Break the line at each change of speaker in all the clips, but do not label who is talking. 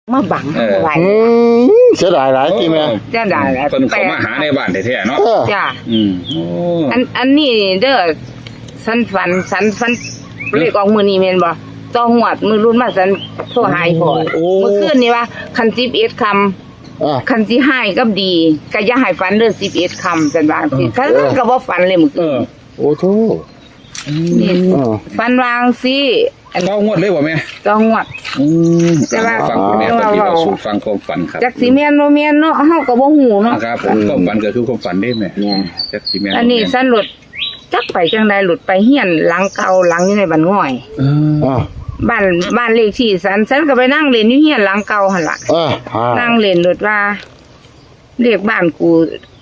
มาบังไว้
เสียดายหลายที่แม่
จะได้แล้ว
เพิ่นเข้ามาหาในบ้านแท้ๆเนาะ
จ้า
โอ้
อันนี้เด้อสันฝันเลขออกมือนี้แม่นบ่ต้องหวดมือรุ่นมาสันโทรหายพอเมื่อคืนนี่ว่าคัน11คำคันสิให้กับดีก็อย่าให้ฝันเด้อ11คำซั่นว่าสิคันก็บ่ฝันเลยมื้อคืน
โอ้โธ่
นี่ฝันวางสิอัน
ต้องงวดเลยบ่แม่
ต้องหวด แต่ว่า
ฟังคุณแม่ปฏิบัติสู่ฟังความฝันครับ
จักสิแม่นบ่แม่นเนาะเฮาก็บ่ฮู้เนาะ
ครับผมความฝันก็คือความฝันเด้แม่
เนี่ย
จักสิแม่น
อันนี้สันหลุดจักไปจังใดหลุดไปเฮียนหลังเก่าหลังอยู่ในบ้านง่อย บ้านเลขที่สันก็ไปนั่งเล่นอยู่เฮียนหลังเก่าหั่นล่ะนั่งเล่นหลุดว่าเลขบ้านกู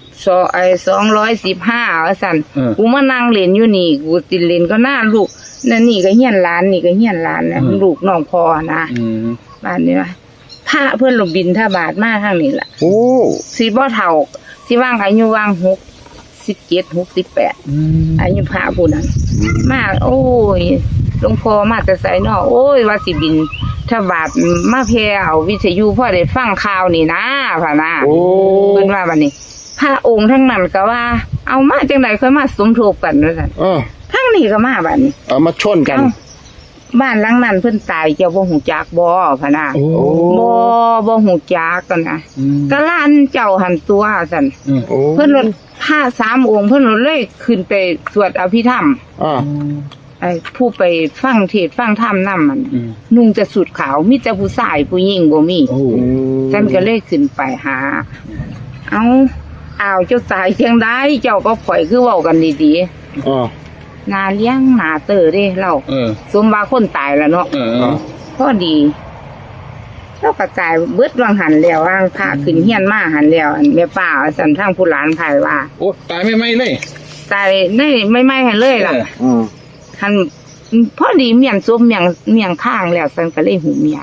215ว่าซั่นกูมานั่งเล่นอยู่นี่กูสิเล่นก็หน้าลูกนั่นนี่ก็เฮียนหลานนี่ก็เฮียนหลานนะลูกน้องพ่อนะบ้านนี้ว่าพระเพิ่นลงบินทบาทมาทางนี้ล่ะ
โอ้
สิบ่เฒ่าสิว่างอายุว่าง67 68อายุพระผู้นั้นมาโอ้ยหลวงพ่อมาแต่ไสเนาะโอ้ยว่าสิบินทบาทมาแพร่เอาวิทยุพ่อได้ฟังข่าวนี่นะพะนะเพิ่นว่าบัดนี้พระองค์ทั้งนั้นก็ว่าเอามาจังได๋ค่อยมาสมทบกันว่าซั่นทั้งนี้ก็มาบัดนี้
เอามาชนกัน
บ้านหลังนั้นเพิ่นตายเจ้าบ่ฮู้จักบ่พะนะบ่ฮู้จักกันนะก็ล้านเจ้าหันตัวซั่นเพิ่นรถผ้า3องค์เพิ่นเลยขึ้นไปสวดอภิธรรมไอ้ผู้ไปฟังเทศน์ฟังธรรมนำมันนุ่งจะสุดขาวมีแต่ผู้ชายผู้หญิงบ่มีฉันก็เลยขึ้นไปหาเอาเจ้าตายจังได๋เจ้าก็ข่อยคือเว้ากันดีๆนาเลี้ยงหนาเตอเด้เราสมว่าคนตายแล้วเนาะพอดีแล้วก็ตายเบิดวังหันแล้ววางพระขึ้นเฮียนมาหันแล้วอันแม่ป้าสั่นทางผู้หลานไผว่า
โอ้ตายไม่เลย
ตายได้ไม่ให้เลยล่ะหันพอดีเมียนซุปเมียงข้างแล้วสั่นก็เลยหูเมีย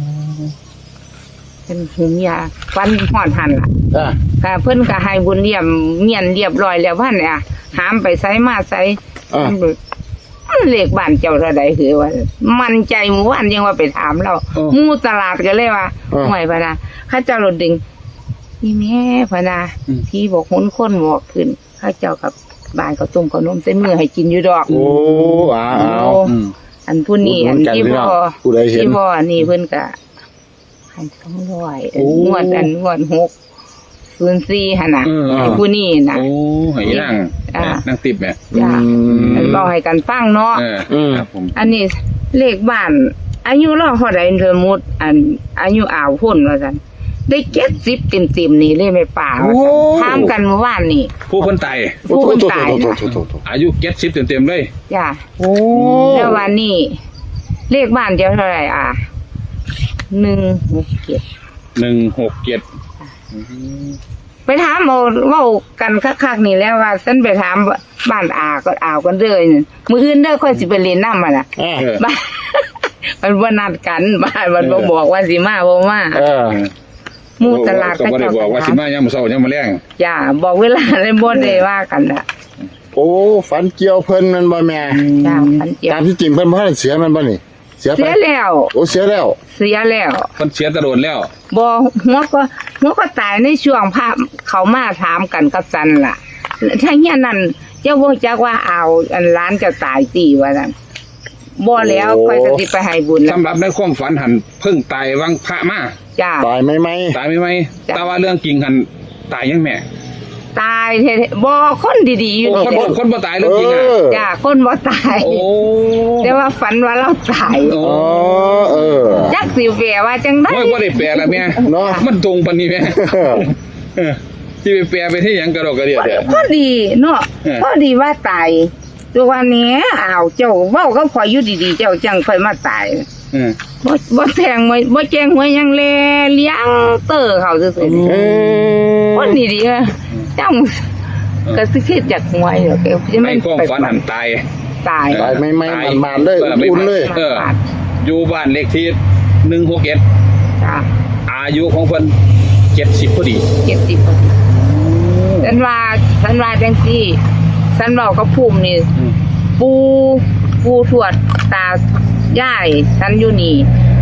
เป็นหูเมียฟันฮอดหันล่ะค่ะเพิ่นก็ให้บุญเยี่ยมเมียนเรียบร้อยแล้วพันเนี่ยหามไปไสมาไสเลขบ้านเจ้าเท่าใดคือว่ามั่นใจหมู่บ้านยังว่าไปถามเราหมู่ตลาดก็เลยว่าห่วยพะนะข้าเจ้ารถดึงนี่แม่พะนะพี่บอกหุนคนบอกขึ้นข้าเจ้ากับบ้านเขาต้มขนมเส้นมือให้กินอยู่ดอกโอ้อันผู้นี้อันที่พ่อนี่เพิ่นก็ให้200งวด604หั่นน่ะผู้นี้น่ะ
โอ้ให้นั่งติบแม่
จ้าเว้าให้กันฟังเนาะ
ครับผม
อันนี้เลขบ้านอายุเราเท่าใดสมมุติอายุอ่าวพุ่นว่าซั่นได้70เต็มๆนี่เลยแม่ป้าถามกันเมื่อวานนี่
ผู้คนตายอายุ70เต็มๆเลย
จ้าแล้ววันนี้เลขบ้านเจ้าเท่าไหร่167ไปถามเว้ากันคักๆนี่แล้วว่าฉันไปถามบ้านก็อ่าวกันเด้อมื้ออื่นเด้อค่อยสิไปเล่นน้ำมันน่ะบ้านมันบ่นัดกันบ้านมันบ่บอกว่าสิมาบ่มาหมู่ตลาด
ก็บ่ได้บอกว่าสิมายามมื้อเช้ายามมื้อแลง
จ้าบอกเวลาเลยบ่ได้ว่ากันน่ะ
โอ้ฝันเกี่ยวเพิ่นมันบ่แม่
จ้าฝันเกี่ยว
ตามที่จริงเพิ่นบ่ได้เสียมันบ่นี่
เสียแล้ว
โอ้เสียแล้ว
เพิ่นเสียตะโดนแล้ว
บ่หัวก็ตายในช่วงพระเขามาถามกันกับจันล่ะถ้าเฮียนั่นเจ้าบ่จักว่าเอาอันร้านจะตายตีว่านั่นบ่แล้วค่อยสิไปให้บุญ
สำหรับในความฝันหันเพิ่งตายวังพระมา
จ้า
ตายไหม
แต่ว่าเรื่องจริงหันตายยังแม่
ตายบ่คนดีๆอยู่นี่
คนบ่ตายเรื่องจริงอ่ะ
จ้าคนบ่ตายแต่ว่าฝันว่าเราตายจักสิแปลว่าจังได๋
บ่ได้แปลล่ะแม่เนาะมันตรงปานนี้แม่สิไปแปลไปที่หยังกระดอกกระเดียด
พอดีเนาะพอดีว่าตายตัววันนี้เจ้าเว้าก็ข่อยอยู่ดีๆเจ้าจังค่อยมาตายบ่แทงบ่แจ้งหวยยังแลเลี้ยงเตอเขาซื่อๆคนดีๆจังก็สิคิดจากหวยดอก
ไม่ความฝันหันตาย
ไม่มันเลยอุ่นเลย
อยู่บ้านเลขที่161
จ้า
อายุของเพิ่น70พอดี
70พอดีฉันว่าจังซี่ฉันเว้ากับภูมินี่ปูทวดตาย่ายฉันอยู่นี่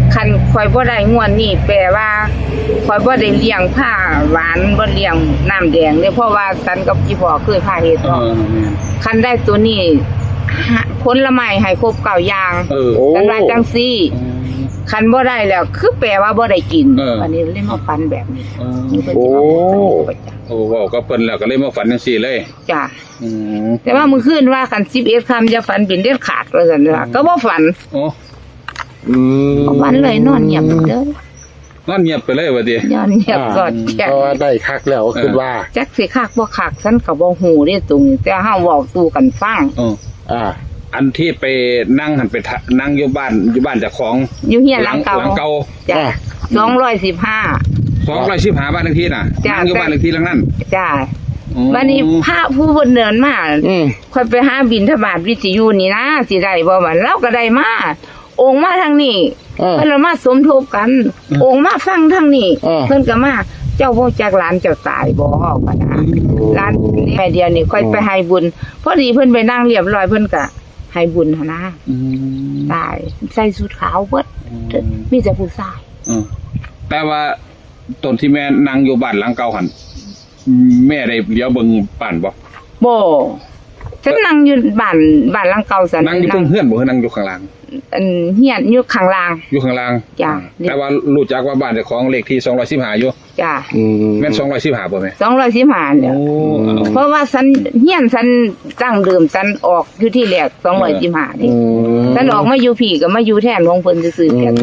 คันข่อยบ่ได้งวดนี้แปลว่าข่อยบ่ได้เลี้ยงผ้าหวานบ่เลี้ยงน้ำแดงเด้เพราะว่าสันกับพี่พ่อเคยพาเฮ็ดเนาะคันได้ตัวนี้ผลไม้ให้ครบ9อย่าง
โอ้
สันว่าจังซี่คันบ่ได้แล้วคือแปลว่าบ่ได้กินอันนี้เลยมาฝันแบบนี้
โอ้
โอ้เว้าก็เพิ่นแล้วก็เลยมาฝันจังซี่เลย
จ้ะแต่ว่ามื้อคืนว่าคัน11ค่ำจะฝันเป็นเด็ดขาดว่าซั่นว่าก็บ่ฝัน
โอ้
บ่ฝันเลยนอนเงียบเด้อน
อนเงียบไปเลยว่าติ
นอนเงียบกอดแก่
เพราะว่าได้คักแล้วคือว่า
จักสิคักบ่คักฉันก็บ่ฮู้เด้ตรงนี้แต่เฮาเว้าสู่กันฟัง
อ่า
อันที่ไปนั่งหันไปนั่งอยู่บ้านเจ้าของ
อยู่เฮียนหลังเก่า
หลังเก่า
จ้ะ215
215บ้านเลขที่น่ะ
จ้ะ
นั่งอยู่บ้านเลขที่หลังนั้น
จ้ะวันนี้พระผู้เพิ่นเดินมา ค่อยไปหาบิณฑบาตวิทยุนี่นะสิได้บ่ว่าเราก็ได้มาองค์มาทางนี้เพิ่นละมาสมทบกัน องค์มาฟังทางนี้เพิ่นก็มาเจ้าบ่จักหลานเจ้าตายบ่ว่านะหลานแม่เดียวนี่ค่อยไปให้บุญพอดีเพิ่นไปนั่งเรียบร้อยเพิ่นก็ให้บุญหั่นนะตายใส่ชุดขาวเบิดมีแต่ผู้ชาย
แต่ว่าตอนที่แม่นั่งอยู่บ้านหลังเก่าหันแม่ได้เลี้ยวเบิ่งบ้านบ่
บ่ฉันนั่งอยู่บ้านหลังเก่าซั่น
นั่งอยู่เพิ่งเฮือนบ่คือนั่งอยู่ข้างล่าง
อันเฮียนอยู่ข้างล่าง
อยู่ข้างล่าง
จ้ะ
แต่ว่ารู้จักว่าบ้านเจ้าของเลขที่215อยู่
จ้ะ
แม่น215บ่แม่
215เนี่ยเพราะว่าฉันเฮียนฉันตั้งเดิมฉันออกอยู่ที่แรก215นี่ฉันออกมาอยู่พี่ก็มาอยู่แทนของเพิ่นซื่อๆแค่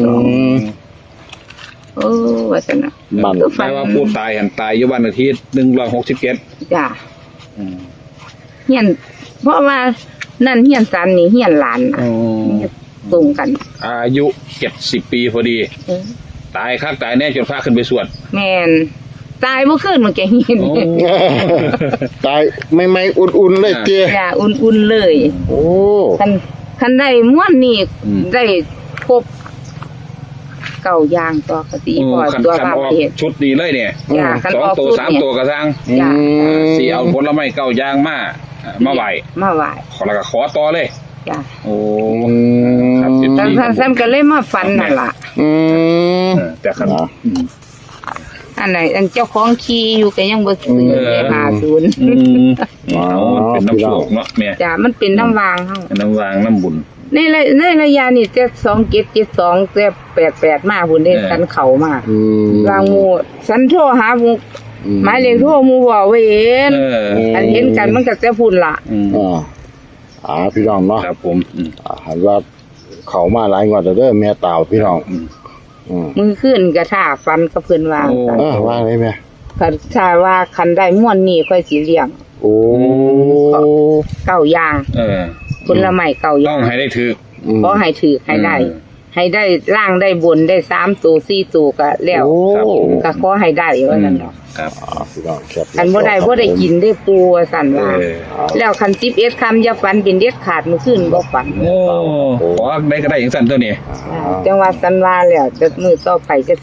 ว่าซั่นน่ะ
บ้าน
แต่ว่าผู้ตายหันตายอยู่บ้านเลขที่167
จ้ะเฮียนเพราะว่านั่นเฮียนฉันนี่เฮียนหลานน่ะตรงกัน
อายุ70ปีพอดี ตายคักตายแน่จนพาขึ้นไปสวด
แม่นตายเมื่อคืนมันแกเห็น
ตายไม่อุ่นๆเลยเตี้ย
อย่าอุ่นๆเลย
โอ้
คันได้ม่วนนี่ได้ครบ9อย่างต่อกะสิพอ
คัน
ตัว
อ
ว่า
อก
เฮ็ด
ชุดนี้เลยเนี่ย
จ้ะคันออก
2ตัว
ชุด
3ตัวก็สร้าง
จ้ะ
สิเอาผลไม้9อย่างมาไหว้
มาไหว้
แล้วก็ขอต่อเลย
จ้ะ
โอ้ครับ
ท่านก็เลยมาฝันนั่นล่ะ
แต่คัน
อันไหนอันเจ้าของขี่อยู่ก็ยังบ่ซื้อเลย50
เอามันเป็นน้ำโชคเนาะแม่
จ้ะมันเป็นน้ำวางเฮา
น้ำวางน้ำบุญ
ในระยะนี่แต่2772แต่88มาพุ่นเด้ฉันเข้ามา วางหมู่ฉันโทรหาหมู่หมายเลขโทรหมู่บ่ไว้เห็นอันเห็นกันมันก็จะพุ่นล่ะ
พี่น้องเนาะ
ครับผม
หันว่าเขามาหลายงวดแล้วเด้อแม่ตาวพี่น้อง
มือขึ้นก็ท่าฟันกับเพิ่นว่า
ว่าอะไรแม่
ถ้าว่าคันได้ม่วนนี่ค่อยสิเลี้ยง
โอ้
9อย่างผลไม้9อ
ต้
ย่า
อง
ง
ให้ได้ถือ
ขอให้ถือให้ได้ ให้ได้ล่างได้บนได้3ตัว4ตัวก็แล้วก็ขอให้ได้ว่านั่นเนาะ
ครับ
พี่น้องแคป
อันบ่ได้กินได้ปูว่าซั่นว่าแล้วคัน11คำอย่าฝันเป็นเด็ดขาดมื้อคืนบ่ฝัน
โอ้ขอได้ก็ได้อย่างสั้นตัวนี้
จังว่าซั่นว่าแล้วมื้อต่อไปจะ